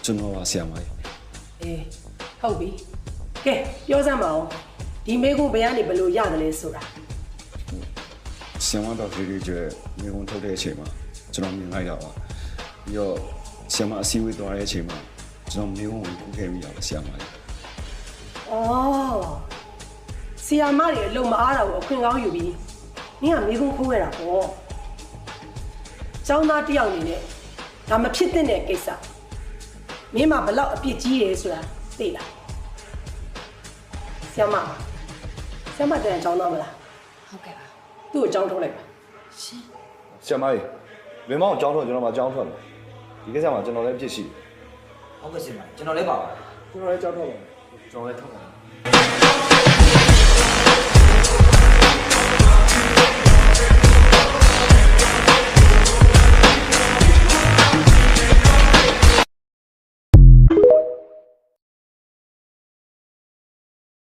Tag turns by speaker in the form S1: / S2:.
S1: ကျွန်တော်ပါဆရာမကြီး
S2: အေးဟုတ်ပြီကဲပြောစမ်းပါဦးဒီမေကုန်းဘယ်ကနေဘယ်လိုရတယ်လဲဆိုတာ
S1: ဆရာမတော်ဗီဒီယိုကျမြေဝန်ထုတ်တဲ့အချိန်မှာကျွန်တော်မြင်လိုက်တာပါပြီးတော့ဆရာမအစည်းအဝေးသွားတဲ့အချိန်မှာကျွန်တော်မြေဝန်ကိုခိုးခဲ့မိတာပါဆရာမကြီး
S2: အော်ဆီယာမတွေအလုံးမအားတာကိုအခွင့်ကောင်းယူပြီးနင်ကမေကုန်းခိုးခဲ့တာပေါ့ကျောင်းသားတစ်ယောက်အနေနဲ့ဒါမဖြစ်သင့်တဲ့ကိစ္စမင်းမဘလောက်အပြစ်ကြီးရဲဆိုတာသိလားဆီယာမတန်ကျောင်းသားမလား
S3: ဟုတ်ကဲ့ပါ
S2: သူ့ကိုကျောင်းထုတ်လိုက်ပါ
S3: ရှင်
S4: ဆရာမကြီးလွင်မောင်ကြောင်းထွက်ကျွန်တော်မှကြောင်းထွက်မယ်ဒီကိစ္စမှာကျွန်တော်လည်းဖြစ်ရှိတယ်
S5: ဟုတ်ကဲ့ရှင်ပါကျွန်တော်လည်းပါပါ
S4: ကျွန်တော်လည်းကြောင်းထွက်ပါမယ်
S5: ကျွန်တော်လည်းထောက်ပါ